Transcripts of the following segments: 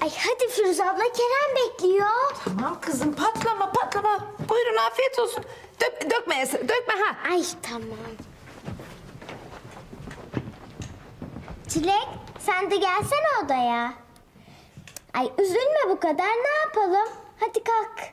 Ay hadi Firuze abla, Kerem bekliyor. Tamam kızım, patlama. Buyurun, afiyet olsun. Dökme Esra, dökme ha. Ay tamam. Çilek, sen de gelsene odaya. Ay üzülme bu kadar, ne yapalım? Hadi kalk.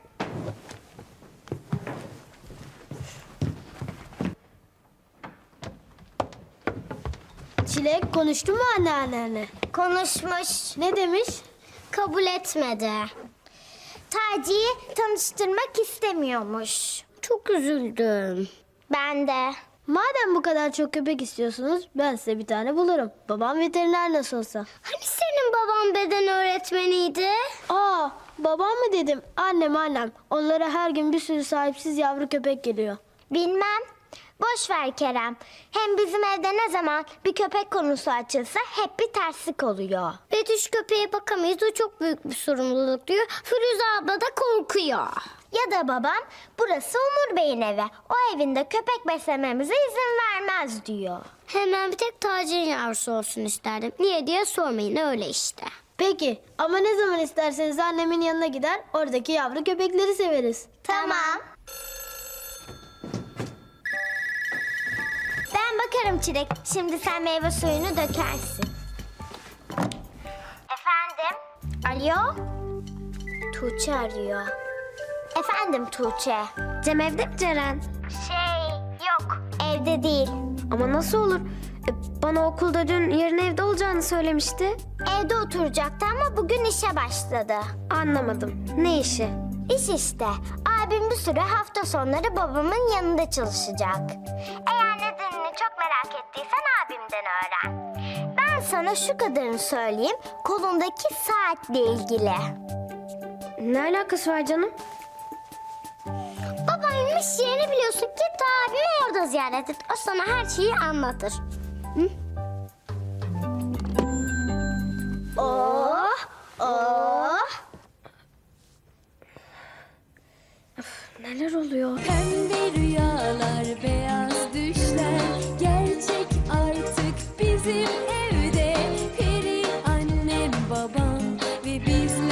Çilek konuştu mu anneannenle? Konuşmuş. Ne demiş? Kabul etmedi. Taci'yi tanıştırmak istemiyormuş. Çok üzüldüm. Ben de. Madem bu kadar çok köpek istiyorsunuz ben size bir tane bulurum. Babam veteriner nasıl olsa. Hani senin baban beden öğretmeniydi? Aa, babam mı dedim? Annem. Onlara her gün bir sürü sahipsiz yavru köpek geliyor. Bilmem. Boş ver Kerem. Hem bizim evde ne zaman bir köpek konusu açılsa hep bir terslik oluyor. Betüş köpeğe bakamayız, o çok büyük bir sorumluluk diyor. Firuze abla da korkuyor. Ya da babam burası Umur Bey'in evi. O evinde köpek beslememize izin vermez diyor. Hemen bir tek Taci'nin yavrusu olsun isterdim. Niye diye sormayın, öyle işte. Peki ama ne zaman isterseniz annemin yanına gider oradaki yavru köpekleri severiz. Tamam. Ben bakarım Çilek. Şimdi sen meyve suyunu dökersin. Efendim? Alo? Tuğçe arıyor. Efendim Tuğçe. Cem evde mi Ceren? Yok, evde değil. Ama nasıl olur? Bana okulda dün yarın evde olacağını söylemişti. Evde oturacaktı ama bugün işe başladı. Anlamadım. Ne işi? İş işte. Abim bir süre hafta sonları babamın yanında çalışacak. Eğer nedenini çok merak ettiysen abimden öğren. Ben sana şu kadarını söyleyeyim. Kolundaki saatle ilgili. Ne alakası var canım? Babamın iş yerini biliyorsun. Git abimi orada ziyaret et. O sana her şeyi anlatır. Hı? Oh. Neler oluyor? Pembe rüyalar, beyaz düşler gerçek artık bizim evde. Peri annem, babam ve bizler